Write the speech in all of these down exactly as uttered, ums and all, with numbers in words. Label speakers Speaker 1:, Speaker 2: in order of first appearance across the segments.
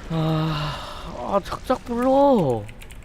Speaker 1: 아, 아 작작 불러.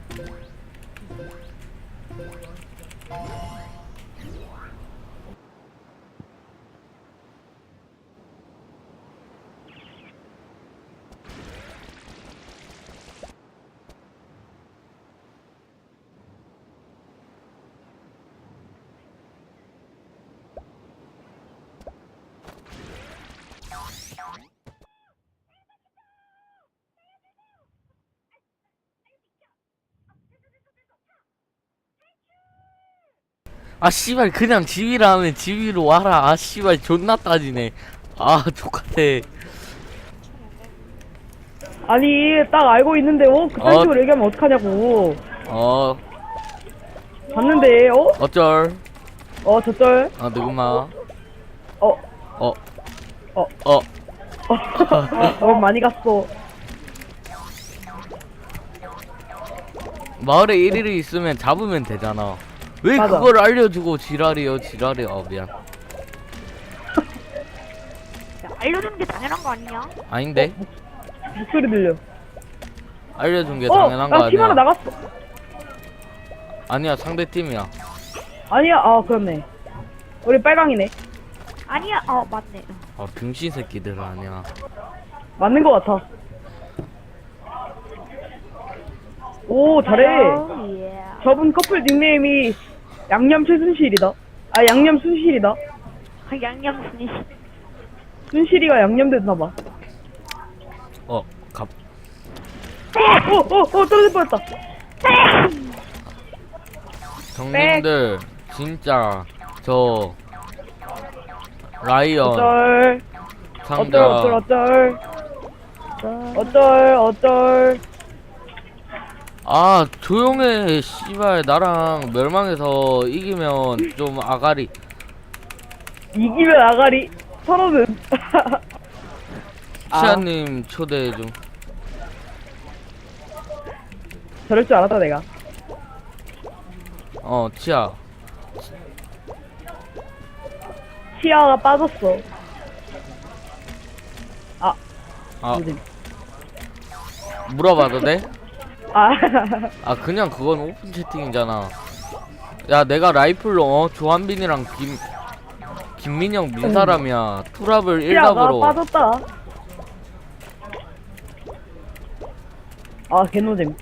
Speaker 1: 아 씨발 그냥 지휘라 하면 지휘로 와라. 아 씨발 존나 따지네. 아 똑같아.
Speaker 2: 아니 딱 알고 있는데 어? 그딴
Speaker 1: 어.
Speaker 2: 식으로 얘기하면 어떡하냐고.
Speaker 1: 어
Speaker 2: 봤는데 어?
Speaker 1: 어쩔.
Speaker 2: 어 저쩔.
Speaker 1: 아 누구마.
Speaker 2: 어.
Speaker 1: 어.
Speaker 2: 어.
Speaker 1: 어.
Speaker 2: 어 많이 갔어.
Speaker 1: 마을에 일일이 있으면 잡으면 되잖아. 왜
Speaker 2: 맞아.
Speaker 1: 그걸 알려주고 지랄이요 지랄이. 어 미안.
Speaker 3: 야, 알려주는 게 당연한 거 아니냐?
Speaker 1: 아닌데?
Speaker 2: 목소리 들려.
Speaker 1: 알려준 게
Speaker 2: 어,
Speaker 1: 당연한 거
Speaker 2: 나 팀 하나
Speaker 1: 아니야.
Speaker 2: 나갔어.
Speaker 1: 아니야 상대 팀이야.
Speaker 2: 아니야, 아 그렇네. 우리 빨강이네.
Speaker 3: 아니야, 어 맞네.
Speaker 1: 아 병신 새끼들 아니야.
Speaker 2: 맞는 것 같아. 오 잘해.
Speaker 3: 어, 예.
Speaker 2: 저분 커플 닉네임이 양념 최순실이다. 아 양념 순실이다.
Speaker 3: 아, 양념 순이.
Speaker 2: 순실이가 양념됐나봐.
Speaker 1: 어 갑.
Speaker 2: 어어어 어, 어, 떨어질 뻔했다.
Speaker 1: 정님들 진짜 저 라이언
Speaker 2: 어쩔
Speaker 1: 상자
Speaker 2: 어쩔 어쩔 어쩔 어쩔 어쩔.
Speaker 1: 아 조용해 씨발. 나랑 멸망해서 이기면 좀 아가리.
Speaker 2: 이기면 아가리. 서로는. 아,
Speaker 1: 시아님 초대해 좀.
Speaker 2: 저럴 줄 알았다 내가.
Speaker 1: 어 치아.
Speaker 2: 치아가 빠졌어. 아,
Speaker 1: 아
Speaker 2: 요즘.
Speaker 1: 물어봐도 돼?
Speaker 2: 아,
Speaker 1: 아 그냥 그건 오픈 채팅이잖아. 야 내가 라이플로 어 조한빈이랑 김 김민영 민 사람이야. 투랍을
Speaker 2: 치아가
Speaker 1: 일답으로.
Speaker 2: 빠졌다. 아, 개노잼.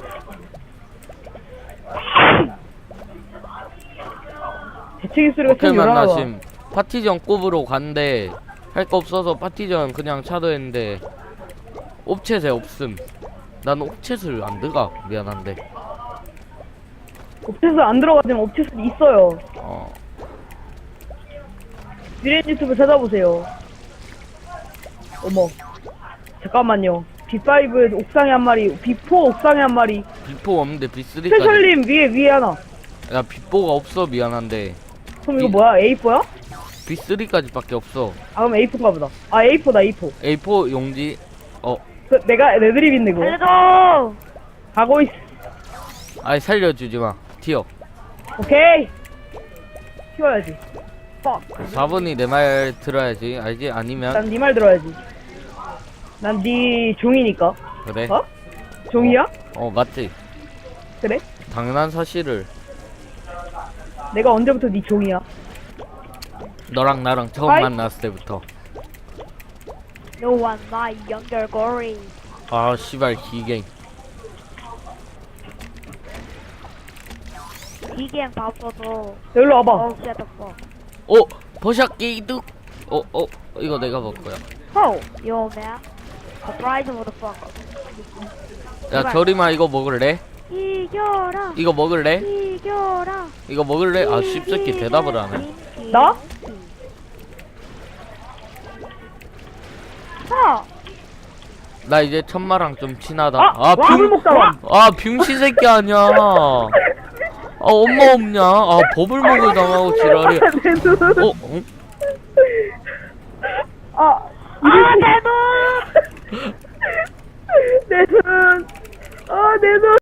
Speaker 2: 대책이 소리가
Speaker 1: 오케이
Speaker 2: 참 요란하다.
Speaker 1: 만나심. 파티전 꼽으로 간대. 할 거 없어서 파티전 그냥 차도했는데 옵챗에 없음. 난 옵챗을 안 들어가. 미안한데.
Speaker 2: 옵체스 안 들어가지만 옵체스 있어요.
Speaker 1: 어
Speaker 2: 미래 유튜브 찾아보세요. 어머, 잠깐만요. 비5 옥상에 한 마리, 비포 옥상에 한 마리.
Speaker 1: 비포 없는데 비쓰리까지.
Speaker 2: 스페셜님 위에 위에 하나.
Speaker 1: 야 비포가 없어. 미안한데
Speaker 2: 그럼 이거
Speaker 1: 이-
Speaker 2: 뭐야? 에이포야?
Speaker 1: 비쓰리까지밖에 없어.
Speaker 2: 아 그럼 에이포인가 보다. 아 에이포다 에이포.
Speaker 1: 에이포 용지. 어
Speaker 2: 그 내가 레드립인데 그거.
Speaker 3: 알려줘.
Speaker 2: 가고 있어.
Speaker 1: 아이 살려주지마. 튀어.
Speaker 2: 오케이. 키워야지.
Speaker 1: 사 번이 내 말 들어야지. 알지? 아니면
Speaker 2: 난 네 말 들어야지. 난 네 종이니까.
Speaker 1: 그래.
Speaker 2: 어? 종이야?
Speaker 1: 어 맞지.
Speaker 2: 그래?
Speaker 1: 당연한 사실을.
Speaker 2: 내가 언제부터 네 종이야?
Speaker 1: 너랑 나랑 처음
Speaker 2: 아이.
Speaker 1: 만났을 때부터.
Speaker 3: No one my younger glory.
Speaker 1: 아 씨발 기갱.
Speaker 3: 이게 바빠서.
Speaker 2: 여기로 와봐.
Speaker 3: 어, shut the fuck.
Speaker 1: 어 버샷 게이득. 어어 이거 내가 먹을 거야.
Speaker 3: Oh, yo man. Surprise motherfucker.
Speaker 1: 야 저리마 이거 먹을래?
Speaker 3: 이겨라.
Speaker 1: 이거 먹을래?
Speaker 3: 이겨라.
Speaker 1: 이거 먹을래? 아 씹새끼 대답을 하네.
Speaker 2: 나?
Speaker 3: 어.
Speaker 1: 나 이제 천마랑 좀 친하다.
Speaker 2: 아, 와물 먹다가.
Speaker 1: 아 병신 새끼 아니야. 아 엄마 없냐? 아 버블 먹을 당하고 지랄이야.
Speaker 2: 내 눈.
Speaker 1: 어? 응?